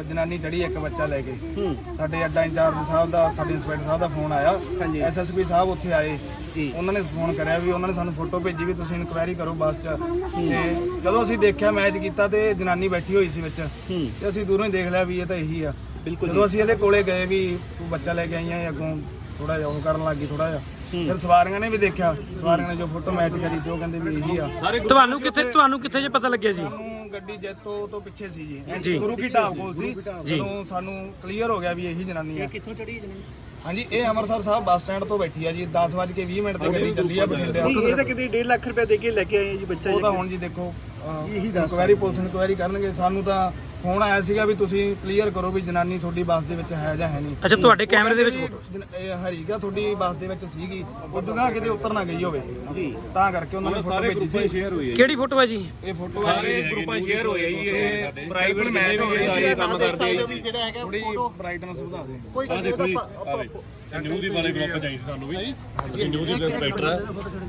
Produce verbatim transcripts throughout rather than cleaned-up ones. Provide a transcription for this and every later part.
ਜਨਾਨੀ ਚੜੀ ਇੱਕ ਬੱਚਾ ਲੈ ਕੇ। ਸਾਡੇ ਅੱਡਾ ਇੰਚਾਰਜ ਸਾਹਿਬ ਦਾ, ਸਾਡੇ ਇੰਸਪੈਕਟਰ ਸਾਹਿਬ ਦਾ ਫੋਨ ਆਇਆ, ਐਸ ਐਸ ਪੀ ਸਾਹਿਬ ਉੱਥੇ ਆਏ, ਉਹਨਾਂ ਨੇ ਫੋਨ ਕਰਿਆ ਵੀ ਉਹਨਾਂ ਨੇ ਸਾਨੂੰ ਫੋਟੋ ਭੇਜੀ ਵੀ ਤੁਸੀਂ ਇਨਕੁਆਇਰੀ ਕਰੋ ਬੱਸ 'ਚ। ਤੇ ਜਦੋਂ ਅਸੀਂ ਦੇਖਿਆ ਮੈਚ ਕੀਤਾ ਤੇ ਜਨਾਨੀ ਬੈਠੀ ਹੋਈ ਸੀ ਵਿੱਚ, ਤੇ ਅਸੀਂ ਦੂਰੋਂ ਹੀ ਦੇਖ ਲਿਆ ਵੀ ਇਹ ਤਾਂ ਇਹੀ ਆ। ਜਦੋਂ ਅਸੀਂ ਇਹਦੇ ਕੋਲੇ ਗਏ ਵੀ ਤੂੰ ਬੱਚਾ ਲੈ ਕੇ ਆਈਆਂ, ਅੱਗੋਂ ਥੋੜਾ ਜਿਹਾ ਉਹ ਕਰਨ ਲੱਗ ਗਈ ਥੋੜਾ ਜਿਹਾ। ਫਿਰ ਸਵਾਰੀਆਂ ਨੇ ਵੀ ਦੇਖਿਆ, ਸਵਾਰੀਆਂ ਨੇ ਜੋ ਫੋਟੋ ਮੈਚ ਕਰੀ ਤੇ ਉਹ ਕਹਿੰਦੇ ਵੀ ਇਹੀ ਆ। ਤੁਹਾਨੂੰ ਕਿੱਥੇ ਤੁਹਾਨੂੰ ਕਿੱਥੇ ਜੇ ਪਤਾ ਲੱਗਿਆ ਜੀ? ਸਾਨੂੰ ਗੱਡੀ ਜੈਤੋ ਤੋਂ ਪਿੱਛੇ ਸੀ ਜੀ, ਗੁਰੂ ਕੀ ਢਾਬ ਕੋਲ ਸੀ। ਜਦੋਂ ਸਾਨੂੰ ਕਲੀਅਰ ਹੋ ਗਿਆ ਵੀ ਇਹੀ ਜਨਾਨੀ ਆ। ਕਿੱਥੋਂ ਚੜੀ ਜਨਾਨੀ? ਹਾਂਜੀ, ਇਹ ਅੰਮ੍ਰਿਤਸਰ ਸਾਹਿਬ ਬੱਸ ਸਟੈਂਡ ਤੋਂ ਬੈਠੀ ਆ ਜੀ। ਦਸ ਵੱਜ ਕੇ ਵੀਹ ਮਿੰਟ ਤੇ ਗੱਡੀ ਚੱਲੀ ਆ ਬਠਿੰਡੇ। ਇਹ ਤਾਂ ਕਿਤੇ ਡੇਢ ਲੱਖ ਰੁਪਏ ਦੇ ਕੇ ਲੈ ਕੇ ਆਏ ਜੀ ਬੱਚਾ। ਉਹ ਤਾਂ ਹੁਣ ਜੀ ਦੇਖੋ ਇਨਕੁਆਇਰੀ, ਪੁਲਿਸ ਇਨਕੁਆਇਰੀ ਕਰਨਗੇ। ਸਾਨੂੰ ਤਾਂ ਫੋਨ ਆਇਆ ਸੀਗਾ ਵੀ ਤੁਸੀਂ ਕਲੀਅਰ ਕਰੋ ਵੀ ਜਨਾਨੀ ਤੁਹਾਡੀ ਬੱਸ ਦੇ ਵਿੱਚ ਹੈ ਜਾਂ ਹੈ ਨਹੀਂ। ਅੱਛਾ, ਤੁਹਾਡੇ ਕੈਮਰੇ ਦੇ ਵਿੱਚ ਇਹ ਹਰੀਗਾ ਤੁਹਾਡੀ ਬੱਸ ਦੇ ਵਿੱਚ ਸੀਗੀ, ਉਦੋਂ ਕਿਤੇ ਉਤਰ ਨਾ ਗਈ ਹੋਵੇ ਜੀ, ਤਾਂ ਕਰਕੇ ਉਹਨਾਂ ਨੇ ਫੋਟੋ ਭੇਜੀ ਸੀ। ਸ਼ੇਅਰ ਹੋਈ ਹੈ। ਕਿਹੜੀ ਫੋਟੋ ਹੈ ਜੀ? ਇਹ ਫੋਟੋ ਸਾਰੇ ਗਰੁੱਪਾਂ ਸ਼ੇਅਰ ਹੋਈ ਹੈ ਜੀ। ਇਹ ਪ੍ਰਾਈਵੇਟ ਮੈਚ ਹੋ ਰਹੀ ਸੀ, ਕੰਮ ਕਰਦੇ ਵੀ ਜਿਹੜਾ ਹੈਗਾ ਥੋੜੀ ਬ੍ਰਾਈਟਨੈਸ ਵਧਾ ਦੇ। ਕੋਈ ਗੱਲ ਨਹੀਂ, ਆਪਾਂ ਨਿਊ ਦੀ ਬਾਰੇ ਗਰੁੱਪ ਚਾਹੀਦੀ ਸਾਨੂੰ ਵੀ। ਅਸੀਂ ਨਿਊ ਦੀ ਇੰਸਪੈਕਟਰ ਆ।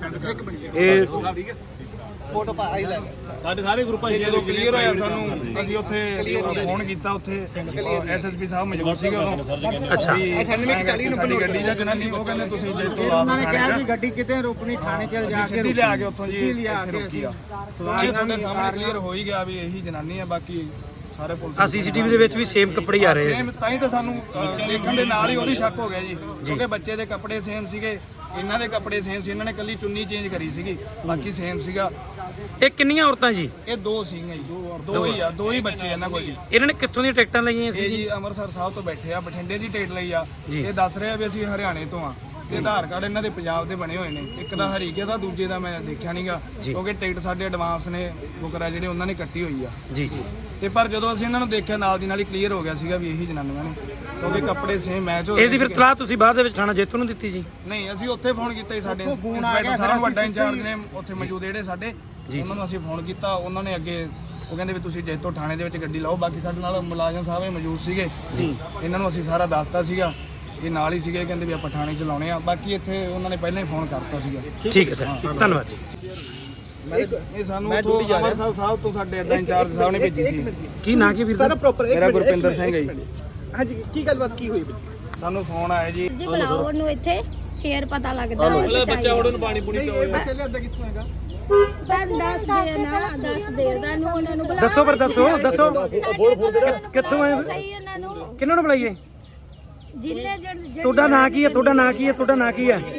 ਇਹ ਫੋਟੋ ਪਾ ਆਈ ਲੈ ਸਾਡੇ ਸਾਰੇ ਗਰੁੱਪਾਂ ਜਦੋਂ ਕਲੀਅਰ ਹੋਇਆ ਸਾਨੂੰ, ਅਸੀਂ ਉੱਥੇ ਫੋਨ ਕੀਤਾ, ਉੱਥੇ ਐਸ ਐਸ ਪੀ ਸਾਹਿਬ ਮੌਜੂਦ ਸੀਗੇ ਉਦੋਂ। ਅੱਛਾ, ਸਾਡੀ ਗੱਡੀ ਜਾਂ ਜਨਾਨੀ, ਉਹ ਕਹਿੰਦੇ ਤੁਸੀਂ ਜੇ ਤੋਂ ਉਹਨਾਂ ਨੇ ਕਿਹਾ ਕਿ ਗੱਡੀ ਕਿਤੇ ਰੋਕਣੀ, ਥਾਣੇ ਚਲ ਜਾ ਕੇ ਸਿੱਧੀ ਲਿਆ ਕੇ ਉੱਥੋਂ ਜੀ ਇੱਥੇ ਰੋਕੀ ਆ। ਸਵਾਰੀ ਤੁਹਾਡੇ ਸਾਹਮਣੇ ਕਲੀਅਰ ਹੋ ਹੀ ਗਿਆ ਵੀ ਇਹੀ ਜਨਾਨੀ ਆ। ਬਾਕੀ ਸਾਰੇ ਪੁਲਿਸ ਆ ਸੀਸੀਟੀਵੀ ਦੇ ਵਿੱਚ ਵੀ ਸੇਮ ਕੱਪੜੇ ਆ ਰਹੇ ਆ। ਸੇਮ, ਤਾਂ ਹੀ ਤਾਂ ਸਾਨੂੰ ਦੇਖਣ ਦੇ ਨਾਲ ਹੀ ਉਹਦੀ ਸ਼ੱਕ ਹੋ ਗਿਆ ਜੀ, ਕਿਉਂਕਿ ਬੱਚੇ ਦੇ ਕੱਪੜੇ ਸੇਮ ਸੀਗੇ, ਇਹਨਾਂ ਦੇ ਕੱਪੜੇ ਸੇਮ ਸੀ। ਇਹਨਾਂ ਨੇ ਕੱਲੀ ਚੁੰਨੀ ਚੇਂਜ ਕਰੀ ਸੀਗੀ, ਬਾਕੀ ਸੇਮ ਸੀਗਾ। ਇਹ ਕਿੰਨੀਆਂ ਔਰਤਾਂ ਜੀ? ਇਹ ਦੋ ਸੀਗੀਆਂ ਜੀ, ਦੋ ਹੀ ਆ, ਦੋ ਹੀ ਬੱਚੇ ਇਹਨਾਂ ਕੋਲ ਜੀ। ਇਹਨਾਂ ਨੇ ਕਿੱਥੋਂ ਦੀਆਂ ਟਿਕਟਾਂ ਲਈਆਂ ਸੀ ਇਹ ਜੀ ਅੰਮ੍ਰਿਤਸਰ ਸਾਹਿਬ ਤੋਂ ਬੈਠੇ ਆ, ਬਠਿੰਡੇ ਦੀ ਟਿਕਟ ਲਈ ਆ। ਇਹ ਦੱਸ ਰਹੇ ਆ ਵੀ ਅਸੀਂ ਹਰਿਆਣੇ ਤੋਂ ਆ, ਤੇ ਆਧਾਰ ਕਾਰਡ ਇਹਨਾਂ ਦੇ ਪੰਜਾਬ ਦੇ ਬਣੇ ਹੋਏ ਨੇ। ਇੱਕ ਦਾ ਹਰੀਕੇ ਦਾ, ਦੂਜੇ ਦਾ ਮੈਂ ਦੇਖਿਆ ਨਹੀਂਗਾ, ਕਿਉਂਕਿ ਟਿਕਟ ਸਾਡੇ ਐਡਵਾਂਸ ਨੇ ਬੁਕਰਾ ਜਿਹੜੇ ਉਹਨਾਂ ਨੇ ਕੱਟੀ ਹੋਈ ਆ ਜੀ ਜੀ। ਤੇ ਪਰ ਜਦੋਂ ਅਸੀਂ ਇਹਨਾਂ ਨੂੰ ਦੇਖਿਆ ਨਾਲ ਦੀ ਨਾਲ ਹੀ ਕਲੀਅਰ ਹੋ ਗਿਆ ਸੀਗਾ ਵੀ ਇਹੀ ਜਨਾਨੀਆਂ ਨੇ, ਕਿਉਂਕਿ ਕੱਪੜੇ ਸੇਮ ਮੈਚ ਹੋ ਰਹੇ ਸੀ। ਇਹਦੀ ਫਿਰ ਤਲਾਹ ਤੁਸੀਂ ਬਾਅਦ ਦੇ ਵਿੱਚ ਥਾਣਾ ਜੇਤੂ ਨੂੰ ਦਿੱਤੀ ਜੀ? ਨਹੀਂ, ਅਸੀਂ ਉੱਥੇ ਫੋਨ ਕੀਤਾ ਜੀ, ਸਾਡੇ ਇੰਸਪੈਕਟਰ ਸਾਹਿਬ ਵੱਡਾ ਇੰਚਾਰਜ ਨੇ ਉੱਥੇ ਮੌਜੂਦ ਜਿਹੜੇ ਸਾਡੇ, ਉਹਨਾਂ ਨੂੰ ਅਸੀਂ ਫੋਨ ਕੀਤਾ। ਉਹਨਾਂ ਨੇ ਅੱਗੇ ਉਹ ਕਹਿੰਦੇ ਵੀ ਤੁਸੀਂ ਜੈਤੋ ਥਾਣੇ ਦੇ ਵਿੱਚ ਗੱਡੀ ਲਾਓ। ਬਾਕੀ ਸਾਡੇ ਨਾਲ ਮੁਲਾਜ਼ਮ ਸਾਹਿਬ ਇਹ ਮੌਜੂਦ ਸੀਗੇ, ਇਹਨਾਂ ਨੂੰ ਅਸੀਂ ਸਾਰਾ ਦੱਸਤਾ ਸੀਗਾ, ਇਹ ਨਾਲ ਹੀ ਸੀਗੇ, ਕਹਿੰਦੇ ਵੀ ਆਪਾਂ ਥਾਣੇ ਚ ਲਾਉਣੇ ਆ। ਬਾਕੀ ਇੱਥੇ ਉਹਨਾਂ ਨੇ ਪਹਿਲਾਂ ਹੀ ਫੋਨ ਕਰਤਾ ਸੀਗਾ। ਠੀਕ ਹੈ ਸਰ, ਧੰਨਵਾਦ ਜੀ। ਇਹ ਸਾਨੂੰ ਉੱਥੋਂ ਅੰਮ੍ਰਿਤਸਰ ਸਾਹਿਬ ਤੋਂ ਸਾਡੇ ਅੱਡਾ ਇੰਚਾਰਜ ਸਾਹਿਬ ਨੇ ਭੇਜੀ ਸੀ। ਕੀ ਨਾਂ ਕੀ ਵੀਰ ਦਾ? ਮੇਰਾ ਗੁਰਪਿੰਦਰ ਸਿੰਘ ਹੈ ਜੀ। ਹਾਂਜੀ, ਕੀ ਗੱਲਬਾਤ ਕੀ ਹੋਈ? ਸਾਨੂੰ ਫੋਨ ਆਇਆ ਜੀ, ਜੀ ਬੁਲਾਓ ਉਹਨੂੰ ਇੱਥੇ, ਫੇਰ ਪਤਾ ਲੱਗਦਾ ਬੱਚਾ ਉਹਨੂੰ ਨੂੰ ਪਾਣੀ ਪੂਣੀ ਇਹ ਬੱਚੇ ਲਿਆਂਦਾ ਕਿੱਥੋਂ ਹੈਗਾ? ਦੱਸ ਦੇ ਨਾ, ਦੱਸ ਦੇ ਨੂੰ ਉਹਨਾਂ ਨੂੰ ਬੁਲਾਓ। ਦੱਸੋ ਪਰ ਦੱਸੋ ਦੱਸੋ ਕਿੱਥੋਂ ਆਏ? ਸਹੀ ਉਹਨਾਂ ਨੂੰ ਕਿਹਨਾਂ ਨੂੰ ਬੁਲਾਈਏ? ਜਿੰਨੇ ਜਣ ਤੁਹਾਡਾ ਨਾਂ ਕੀ ਹੈ? ਤੁਹਾਡਾ ਨਾਂ ਕੀ ਹੈ? ਤੁਹਾਡਾ ਨਾਂ ਕੀ ਹੈ?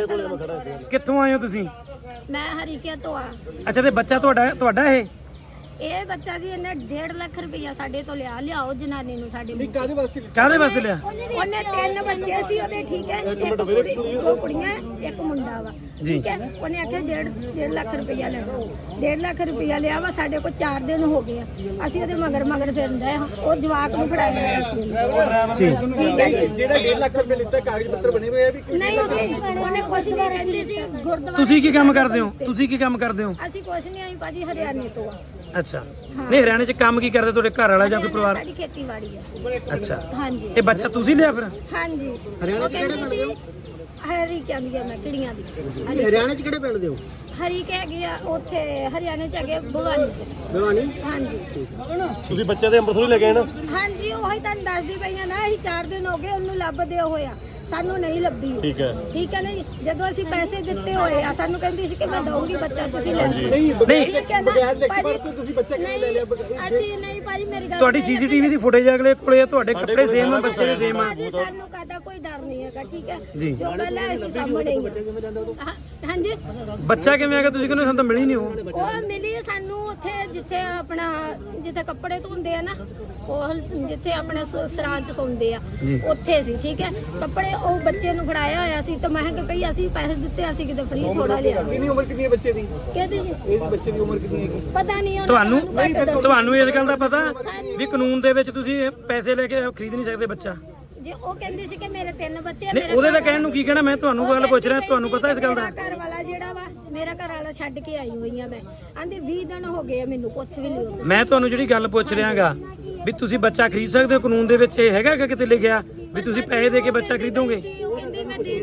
ਕਿੱਥੋਂ ਆਏ ਹੋ ਤੁਸੀਂ? ਮੈਂ ਹਰੀਕੇ ਤੋਂ ਆ। ਅੱਛਾ, ਤੇ ਬੱਚਾ ਤੁਹਾਡਾ ਤੁਹਾਡਾ ਇਹ? ਇਹ ਬੱਚਾ ਜੀ ਇਹਨੇ ਡੇਢ ਲੱਖ ਰੁਪਇਆ ਸਾਡੇ ਤੋਂ ਲਿਆ। ਲਿਆਓ ਜਨਾਨੀ ਨੂੰ ਸਾਡੇ ਨੂੰ। ਕਾਹਦੇ ਵਾਸਤੇ? ਕਾਹਦੇ ਵਾਸਤੇ ਲਿਆ? ਉਹਨੇ ਤਿੰਨ ਬੱਚੇ ਸੀ ਉਹਦੇ, ਠੀਕ ਹੈ, ਇੱਕ ਕੁੜੀ, ਦੋ ਕੁੜੀਆਂ, ਇੱਕ ਮੁੰਡਾ ਵਾ, ਠੀਕ ਹੈ। ਉਹਨੇ ਆਖਿਆ ਡੇਢ ਡੇਢ ਲੱਖ ਰੁਪਇਆ ਲੈਣਾ। ਡੇਢ ਲੱਖ ਰੁਪਇਆ ਲਿਆ ਵਾ। ਸਾਡੇ ਕੋਲ ਚਾਰ ਦਿਨ ਹੋ ਗਏ ਆ, ਅਸੀਂ ਉਹਦੇ ਮਗਰ ਮਗਰ ਫਿਰਦੇ ਆ। ਉਹ ਜਵਾਕ ਨੂੰ ਫੜਾਇਆ ਅਸੀਂ। ਠੀਕ ਹੈ ਜੀ। ਜਿਹੜਾ ਡੇਢ ਲੱਖ ਰੁਪਏ ਲਿੱਤਾ, ਕਾਗਜ਼ ਪੱਤਰ ਬਣੇ ਹੋਏ ਆ ਵੀ? ਨਹੀਂ, ਉਹਨੇ ਕੁਛ ਨਹੀਂ ਕਹਿੰਦੀ ਸੀ। ਗੁਰਦੁਆਰਾ ਤੁਸੀਂ ਕੀ ਕੰਮ ਕਰਦੇ ਹੋ? ਤੁਸੀਂ ਕੀ ਕੰਮ ਕਰਦੇ ਹੋ? ਅਸੀਂ ਕੁਛ ਨਹੀਂ, ਆਈ ਭਾਜੀ ਹਰਿਆਣੇ ਤੋਂ ਆ। ਅੱਛਾ, ਨਹੀਂ ਹਰਿਆਣੇ 'ਚ ਕੰਮ ਕੀ ਕਰਦੇ ਤੁਹਾਡੇ ਘਰ ਵਾਲਾ ਜਾਂ ਕੋਈ ਪਰਿਵਾਰ? ਸਾਡੀ ਖੇਤੀਬਾੜੀ ਆ। ਅੱਛਾ, ਹਾਂਜੀ। ਇਹ ਬੱਚਾ ਤੁਸੀਂ ਲਿਆ ਫਿਰ? ਹਾਂਜੀ। ਹਰਿਆਣਾ ਚ ਕਿਹੜੇ ਪਿੰਡ ਦੇ? ਹਰੀ ਕਹਿੰਦੀ ਆ ਮੈਂ, ਕਿੜੀਆਂ ਦੀ। ਹਰਿਆਣਾ ਚ ਕਿਹੜੇ ਪਿੰਡ ਦੇ ਹੋ? ਹਰੀ ਕਹਿ ਗਿਆ ਉੱਥੇ, ਹਰਿਆਣੇ ਚ ਹੈਗੇ ਭਵਾਨੀ ਚ। ਭਵਾਨੀ? ਹਾਂਜੀ। ਤੁਸੀਂ ਬੱਚੇ ਦੇ ਅੰਮ੍ਰਿਤਸਰ ਲੈ ਗਏ ਨਾ? ਹਾਂਜੀ, ਉਹੀ ਤੁਹਾਨੂੰ ਦੱਸਦੀ ਪਈਆਂ ਨਾ, ਅਸੀਂ ਚਾਰ ਦਿਨ ਹੋ ਗਏ ਉਹਨੂੰ ਲੱਭਦੇ ਹੋਇਆ, ਸਾਨੂੰ ਨਹੀਂ ਲੱਭੀ। ਠੀਕ ਹੈ, ਠੀਕ ਹੈ। ਨਹੀਂ, ਜਦੋਂ ਅਸੀਂ ਪੈਸੇ ਦਿੱਤੇ ਹੋਏ ਆ, ਸਾਨੂੰ ਕਹਿੰਦੀ ਸੀ ਕਿ ਮੈਂ ਦਊਂਗੀ ਬੱਚਾ, ਤੁਸੀਂ ਲੈ ਲਓ। ਨਹੀਂ, ਠੀਕ ਹੈ ਨਾ ਭਾਜੀ, ਤੁਸੀਂ ਬੱਚਾ ਕਿਵੇਂ ਲੈ ਲਿਆ? ਅਸੀਂ ਨਹੀਂ ਭਾਜੀ, ਮੇਰੀ ਗੱਲ ਤੁਹਾਡੀ ਸੀਸੀਟੀਵੀ ਦੀ ਫੁਟੇਜ ਅਗਲੇ ਕੋਲੇ, ਤੁਹਾਡੇ ਕੱਪੜੇ ਸੇਮ ਆ, ਬੱਚੇ ਦੇ ਸੇਮ ਆ। ਭਾਜੀ ਸਾਨੂੰ ਕਾਹਦਾ ਕੋਈ ਡਰ ਨਹੀਂ ਹੈਗਾ, ਠੀਕ ਹੈ। ਜੋ ਗੱਲ ਹੈ ਅਸੀਂ ਸਾਹਮਣੇ ਹੀ ਆ। ਹਾਂਜੀ, ਬੱਚਾ ਕਿਵੇਂ ਆ ਗਿਆ? ਤੁਸੀਂ ਕਹਿੰਦੇ ਸਾਨੂੰ ਤਾਂ ਮਿਲੀ ਨਹੀਂ ਉਹ। ਉਹ ਮਿਲੀ ਸਾਨੂੰ ਉੱਥੇ, ਜਿੱਥੇ ਆਪਣਾ ਜਿੱਥੇ ਕੱਪੜੇ ਧੋਂਦੇ ਆ ਨਾ, ਉਹ ਜਿੱਥੇ ਆਪਣੇ ਸਰਾਂ ਚ ਸੌਂਦੇ ਆ, ਉੱਥੇ ਸੀ, ਠੀਕ ਹੈ। ਕੱਪੜੇ ਉਹ ਬੱਚੇ ਨੂੰ ਫੜਾਇਆ ਹੋਇਆ ਸੀ, ਤਾਂ ਮੈਂ ਕਿਹਾ ਭਈ ਅਸੀਂ ਪੈਸੇ ਦਿੱਤੇ, ਅਸੀਂ ਕਿਤੇ ਫ੍ਰੀ ਥੋੜਾ ਲਿਆ। ਕਿੰਨੀ ਉਮਰ ਕਿੰਨੀ ਹੈ ਬੱਚੇ ਦੀ? ਕਹਿੰਦੇ ਜੀ ਇਹ ਬੱਚੇ ਦੀ ਉਮਰ ਕਿੰਨੀ ਹੈਗੀ? ਪਤਾ ਨਹੀਂ ਤੁਹਾਨੂੰ। ਤੁਹਾਨੂੰ ਇਸ ਗੱਲ ਦਾ ਪਤਾ ਵੀ ਕਾਨੂੰਨ ਦੇ ਵਿੱਚ ਤੁਸੀਂ ਪੈਸੇ ਲੈ ਕੇ ਖਰੀਦ ਨਹੀਂ ਸਕਦੇ ਬੱਚਾ? ਜੇ ਉਹ ਕਹਿੰਦੀ ਸੀ ਕਿ ਮੇਰੇ ਤਿੰਨ ਬੱਚੇ ਆ। ਨਹੀਂ, ਉਹਦੇ ਤਾਂ ਕਹਿਣ ਨੂੰ ਕੀ ਕਹਿਣਾ, ਮੈਂ ਤੁਹਾਨੂੰ ਗੱਲ ਪੁੱਛ ਰਿਹਾ, ਤੁਹਾਨੂੰ ਪਤਾ ਇਸ ਗੱਲ ਦਾ? ਮੇਰਾ ਘਰ ਵਾਲਾ ਜਿਹੜਾ ਵਾ, ਮੇਰਾ ਘਰ ਵਾਲਾ ਛੱਡ ਕੇ ਆਈ ਹੋਈ ਆ ਮੈਂ। ਆਂਦੇ ਵੀਹ ਦਿਨ ਹੋ ਗਏ ਆ, ਮੈਨੂੰ ਪੁੱਛ ਵੀ ਲਿਓ। ਮੈਂ ਤੁਹਾਨੂੰ ਜਿਹੜੀ ਗੱਲ ਪੁੱਛ ਰਿਹਾਗਾ ਵੀ ਤੁਸੀਂ ਬੱਚਾ ਖਰੀਦ ਸਕਦੇ ਹੋ, ਕਾਨੂੰਨ ਦੇ ਵਿੱਚ ਇਹ ਹੈਗਾ ਕਿ ਕਿਤੇ ਲਿਖਿਆ ਵੀ ਤੁਸੀਂ ਪੈਸੇ ਦੇ ਕੇ ਬੱਚਾ ਖਰੀਦੋਗੇ? ਉਹ ਕਹਿੰਦੀ ਮੈਂ ਦੇਣਾ,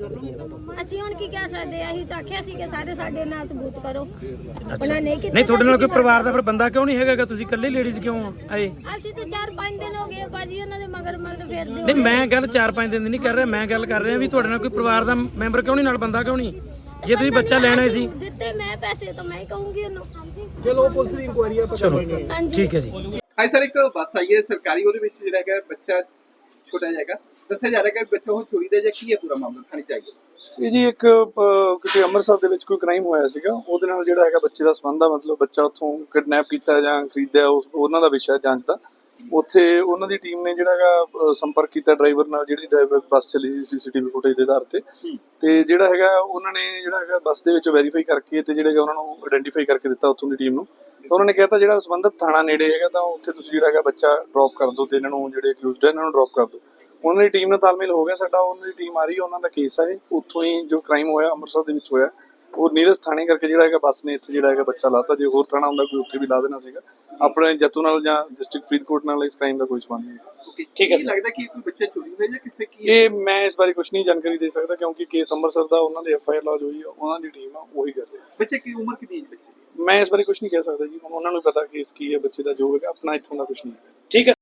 ਅਸੀਂ ਹੁਣ ਕੀ ਕਹਿ ਸਕਦੇ ਆ? ਅਸੀਂ ਤਾਂ ਆਖਿਆ ਸੀ ਕਿ ਸਾਰੇ ਸਾਡੇ ਨਾਲ ਸਬੂਤ ਕਰੋ, ਉਹਨਾਂ ਨਹੀਂ ਕੀਤਾ। ਨਹੀਂ ਤੁਹਾਡੇ ਨਾਲ ਕੋਈ ਪਰਿਵਾਰ ਦਾ ਫਿਰ ਬੰਦਾ ਕਿਉਂ ਨਹੀਂ ਹੈਗਾ? ਤੁਸੀਂ ਇਕੱਲੇ ਲੇਡੀਜ਼ ਕਿਉਂ ਆਏ? ਅਸੀਂ ਤੇ ਚਾਰ ਪੰਜ ਦਿਨ ਹੋ ਗਏ ਬਾਜੀ ਉਹਨਾਂ ਦੇ ਮਗਰ ਮਗਰ ਫੇਰਦੇ ਨਹੀਂ ਮੈਂ ਗੱਲ ਚਾਰ ਪੰਜ ਦਿਨ ਦੀ ਨਹੀਂ ਕਰ ਰਿਹਾ, ਮੈਂ ਗੱਲ ਕਰ ਰਿਹਾ ਵੀ ਤੁਹਾਡੇ ਨਾਲ ਕੋਈ ਪਰਿਵਾਰ ਦਾ ਮੈਂਬਰ ਕਿਉਂ ਨਹੀਂ, ਨਾਲ ਬੰਦਾ ਕਿਉਂ ਨਹੀਂ? ਜੇ ਤੁਸੀਂ ਬੱਚਾ ਲੈਣਾ ਸੀ ਦਿੱਤੇ ਮੈਂ ਪੈਸੇ ਤਾਂ ਮੈਂ ਹੀ ਕਹੂੰਗੀ ਉਹਨੂੰ। ਚਲੋ ਪੁਲਿਸ ਦੀ ਇਨਕੁਆਇਰੀ ਆ, ਪਤਾ ਲੱਗੇਗਾ। ਹਾਂਜੀ ਠੀਕ ਹੈ ਜੀ। ਹਾਂ ਸਰ, ਇੱਕ ਬੱਸ ਆਈ ਹੈ ਸਰਕਾਰੀ, ਉਹਦੇ ਵਿੱਚ ਜਿਹੜਾ ਹੈਗਾ ਬੱਚਾ ਛੋਟਾ ਜਿਹਾ ਹੈਗਾ, ਦੱਸਿਆ ਜਾ ਰਿਹਾ ਕਿ ਬੱਚਾ ਉਹ ਚੋਰੀ ਦਾ ਜਾਂ ਕੀ ਹੈ ਪੂਰਾ ਮਾਮਲਾ ਥਾਣੇ ਚ ਆਇਆ? ਇਹ ਜੀ ਇੱਕ ਅਹ, ਕਿਤੇ ਅੰਮ੍ਰਿਤਸਰ ਦੇ ਵਿੱਚ ਕੋਈ ਕ੍ਰਾਈਮ ਹੋਇਆ ਸੀਗਾ, ਉਹਦੇ ਨਾਲ ਜਿਹੜਾ ਹੈਗਾ ਬੱਚੇ ਦਾ ਸੰਬੰਧ ਆ, ਮਤਲਬ ਬੱਚਾ ਉੱਥੋਂ ਕਿਡਨੈਪ ਕੀਤਾ ਜਾਂ ਖਰੀਦਿਆ, ਉਸ ਉਹਨਾਂ ਦਾ ਵਿਸ਼ਾ ਜਾਂਚ ਦਾ। ਉੱਥੇ ਉਹਨਾਂ ਦੀ ਟੀਮ ਨੇ ਜਿਹੜਾ ਹੈਗਾ ਅਹ, ਸੰਪਰਕ ਕੀਤਾ ਡਰਾਈਵਰ ਨਾਲ, ਜਿਹੜੀ ਡਰਾਈਵਰ ਬੱਸ ਚੱਲੀ ਸੀ ਸੀਸੀਟੀਵੀ ਫੁਟੇਜ ਦੇ ਆਧਾਰ ਤੇ, ਤੇ ਜਿਹੜਾ ਹੈਗਾ ਉਹਨਾਂ ਨੇ ਜਿਹੜਾ ਹੈਗਾ ਬੱਸ ਦੇ ਵਿੱਚ ਵੈਰੀਫਾਈ ਕਰਕੇ ਤੇ ਜਿਹੜਾ ਹੈਗਾ ਉਹਨਾਂ ਨੂੰ ਆਇਡੈਂਟੀਫਾਈ ਕਰਕੇ ਦਿੱਤਾ ਉੱਥੋਂ ਦੀ ਟੀਮ ਨੂੰ। ਤਾਂ ਉਹਨਾਂ ਨੇ ਕਹਿਤਾ ਜਿਹੜਾ ਸੰਬੰਧਿਤ ਥਾਣਾ ਨੇੜੇ ਹੈਗਾ ਤਾਂ ਉੱਥੇ ਤੁਸੀਂ ਜਿਹੜਾ ਹੈਗਾ ਬੱਚਾ ਡ੍ਰੌਪ ਕਰ ਦਿਓ ਤੇ ਇਹਨਾਂ ਨੂੰ ਜਿਹੜੇ ਅਕਿਊਜ਼ਡ ਹੈ ਇਹਨਾਂ ਨੂੰ ਡ੍ਰੌਪ ਕਰ ਦਿਓ। ਉਹਨਾਂ ਦੀ ਟੀਮ ਨਾਲ ਤਾਲਮੇਲ ਹੋ ਗਿਆ ਸਾਡਾ, ਉਹਨਾਂ ਦੀ ਟੀਮ ਆ ਰਹੀ ਹੈ, ਉਹਨਾਂ ਦਾ ਕੇਸ ਹੈ ਉੱਥੋਂ ਹੀ ਜੋ ਕ੍ਰਾਈਮ ਹੋਇਆ ਅੰਮ੍ਰਿਤਸਰ ਦੇ ਵਿੱਚ ਹੋਇਆ, ਉਹ ਨੀਰਜ ਥਾਣੇ ਕਰਕੇ ਜਿਹੜਾ ਹੈਗਾ ਬੱਸ ਨੇ ਇੱਥੇ ਜਿਹੜਾ ਹੈਗਾ ਬੱਚਾ ਲਾਤਾ। ਜੇ ਹੋਰ ਥਾਣਾ ਹੁੰਦਾ ਕੋਈ ਉੱਥੇ ਵੀ ਲਾ ਦੇਣਾ ਸੀਗਾ। ਆਪਣੇ ਜੱਤੂ ਨਾਲ ਜਾਂ ਡਿਸਟ੍ਰਿਕਟ ਫਰੀਦਕੋਟ ਨਾਲ ਇਸ ਕ੍ਰਾਈਮ ਦਾ ਕੋਈ ਸੰਬੰਧ ਨਹੀਂ। ਠੀਕ ਹੈ, ਲੱਗਦਾ ਕਿ ਕੋਈ ਬੱਚਾ ਚੋਰੀ ਹੋਇਆ ਜਾਂ ਕਿਸੇ ਕੀ? ਇਹ ਮੈਂ ਇਸ ਬਾਰੇ ਕੁਝ ਨਹੀਂ ਜਾਣਕਾਰੀ ਦੇ ਸਕਦਾ ਕਿਉਂਕਿ ਕੇਸ ਅੰਮ੍ਰਿਤਸਰ ਦਾ, ਉਹਨਾਂ ਦੇ ਐਫ ਆਈ ਆਰ ਲੌਜ ਹੋਈ ਆ, ਉਹਨਾਂ ਦੀ ਟੀਮ ਆ ਉਹੀ ਕਰ ਰਹੀ ਹੈ। ਬੱਚੇ ਕੀ ਉਮਰ ਕਿੰਨੀ ਹੈ ਬੱਚੇ ਦੀ? ਮੈਂ ਇਸ ਬਾਰੇ ਕੁਝ ਨਹੀਂ ਕਹਿ ਸਕਦਾ ਜੀ, ਉਹਨਾਂ ਨੂੰ ਪਤਾ ਕੇਸ ਕੀ ਹੈ ਬੱਚੇ ਦਾ, ਜੋ ਹੈਗਾ ਆਪਣਾ ਇੱਥੋਂ ਦਾ ਕੁਝ ਨਹੀਂ ਹੈ। ਠੀਕ ਹੈ।